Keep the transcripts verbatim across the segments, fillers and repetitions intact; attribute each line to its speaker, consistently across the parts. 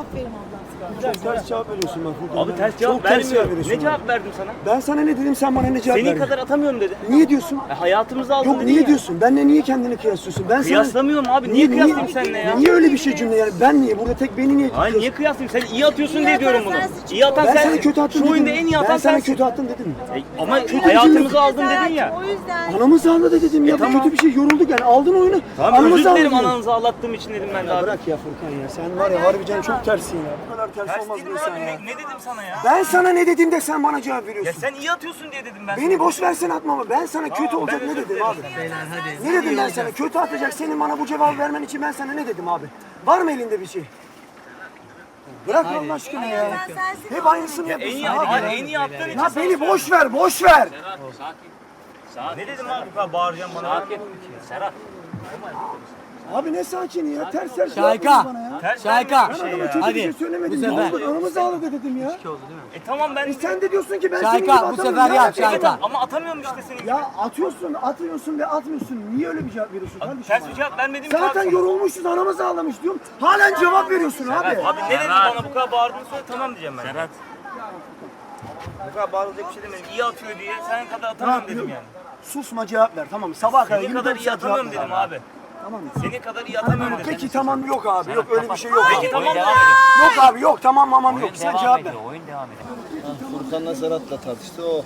Speaker 1: Aferin ablam.
Speaker 2: Güzel, ters cevap veriyorsun bak. Furkan.
Speaker 3: Abi
Speaker 2: Ben-
Speaker 3: ters cevap
Speaker 2: Çok ters cevap
Speaker 3: vermiyorum.
Speaker 2: veriyorsun
Speaker 3: Ne
Speaker 2: bana.
Speaker 3: cevap verdim sana?
Speaker 2: Ben sana ne dedim, sen bana ne cevap
Speaker 3: Senin
Speaker 2: verdin?
Speaker 3: kadar atamıyorum dedi.
Speaker 2: Niye diyorsun?
Speaker 3: E, hayatımızı aldın
Speaker 2: Yok
Speaker 3: dedin
Speaker 2: niye
Speaker 3: ya.
Speaker 2: diyorsun? Benle niye kendini kıyaslıyorsun? Ben sana...
Speaker 3: Kıyaslamıyorum abi. Niye, kıyaslayayım seninle ya?
Speaker 2: Niye öyle bir şey cümle yani? Ben niye? Burada tek beni niye
Speaker 3: Hayır niye kıyaslayayım? Sen iyi atıyorsun
Speaker 1: İyi
Speaker 3: diye diyorum
Speaker 1: atan
Speaker 3: bunu.
Speaker 1: sensin.
Speaker 3: İyi atan
Speaker 2: Ben sana
Speaker 3: sensin.
Speaker 2: kötü attın
Speaker 3: Şu
Speaker 2: dedim.
Speaker 3: oyunda en iyi atan
Speaker 2: Ben sana
Speaker 3: sensin.
Speaker 2: kötü attın dedim mi?
Speaker 3: E, ama
Speaker 2: Kötü
Speaker 3: hayatımızı
Speaker 2: cümle-
Speaker 3: aldın dedin ya.
Speaker 1: O yüzden.
Speaker 2: Anamız ağladı da dedim ya.
Speaker 3: E,
Speaker 2: Bu
Speaker 3: tamam.
Speaker 2: kötü bir şey, yorulduk yani. Aldın oyunu.
Speaker 3: Tamam
Speaker 2: anamız
Speaker 3: özür dilerim
Speaker 2: ağladı.
Speaker 3: ananızı ağlattığım için dedim ben de
Speaker 2: Ya
Speaker 3: abi.
Speaker 2: bırak ya Furkan ya. Sen var ya harbiden çok tersin ya. Bu kadar ters,
Speaker 3: Ters
Speaker 2: olmaz
Speaker 3: dedim
Speaker 2: bir insan
Speaker 3: abi.
Speaker 2: ya.
Speaker 3: Ne, ne dedim sana ya?
Speaker 2: Ben sana ne dedim de sen bana cevap
Speaker 3: Ya
Speaker 2: veriyorsun.
Speaker 3: sen iyi atıyorsun diye dedim ben.
Speaker 2: Beni boş versen atmama. Ben sana kötü
Speaker 3: Tamam,
Speaker 2: olacak
Speaker 3: ben
Speaker 2: ne
Speaker 3: özür
Speaker 2: dedim
Speaker 3: dilerim.
Speaker 2: abi? Ne dedim ben sana? Kötü atacak senin bana bu cevabı vermen için ben sana ne dedim abi? Var mı elinde bir şey? Bırak Allah aşkına ya.
Speaker 1: Sen sensin.
Speaker 2: Hep aynısını
Speaker 3: En
Speaker 2: yapıyorsun
Speaker 3: iyi,
Speaker 2: abi.
Speaker 3: hayır, en iyi attığın için.
Speaker 2: Ya beni boş ver, boş ver.
Speaker 3: Ne dedim abi bu kadar bağıracağım bana? Sakin. Serhat.
Speaker 2: Abi ne sakin ya. Ters ters
Speaker 4: Şayka.
Speaker 2: yapıyorsun bana ya.
Speaker 3: Ters
Speaker 4: Şayka.
Speaker 3: vermiyorum
Speaker 2: Ben
Speaker 3: bir şey
Speaker 2: adama
Speaker 3: ya.
Speaker 2: kötü bir
Speaker 4: Hadi,
Speaker 2: şey söylemedim.
Speaker 4: bu
Speaker 2: Ne
Speaker 4: sefer.
Speaker 2: oldu? Anamız ağladı dedim ya.
Speaker 3: E tamam ben...
Speaker 2: E sen de diyorsun ki ben
Speaker 4: Şayka,
Speaker 2: senin gibi
Speaker 4: bu
Speaker 2: atamıyorum.
Speaker 4: sefer
Speaker 2: Ne
Speaker 4: yap,
Speaker 2: alakası var?
Speaker 4: Şayka.
Speaker 3: Ama atamıyorum işte senin gibi.
Speaker 2: Ya atıyorsun, atıyorsun ve atmıyorsun. Niye öyle bir cevap veriyorsun kardeşim?
Speaker 3: Ters
Speaker 2: bana?
Speaker 3: bir cevap vermedim ki abi
Speaker 2: Zaten
Speaker 3: sana.
Speaker 2: yorulmuşuz, anamız ağlamış diyorum. Halen cevap veriyorsun abi.
Speaker 3: Abi ne dedin bana bu kadar bağırdığını söyle tamam diyeceğim ben. Serhat. Bu kadar bağırılacak bir şey demedim. İyi atıyor diye sen kadar atamıyorum dedim yani.
Speaker 2: Susma cevap ver tamam. Sabah kadar
Speaker 3: Senin
Speaker 2: yirmi
Speaker 3: kadar
Speaker 2: dört
Speaker 3: iyi
Speaker 2: saat cevap
Speaker 3: atamıyorum
Speaker 2: ver.
Speaker 3: dedim abi.
Speaker 2: Tamam mı?
Speaker 3: Senin kadar iyi atamıyorum dedim.
Speaker 2: Peki tamam yok abi. Yok öyle bir şey yok.
Speaker 3: Peki tamam da.
Speaker 2: Yok abi yok tamam mamam yok. Sen cevap ver.
Speaker 4: Oyun devam ediyor.
Speaker 5: Furkan'la Serhat'la tartıştı o.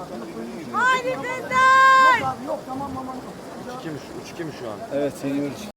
Speaker 1: Hadi kızlar.
Speaker 2: Yok tamam mamam yok.
Speaker 5: Evet, yirmi üç.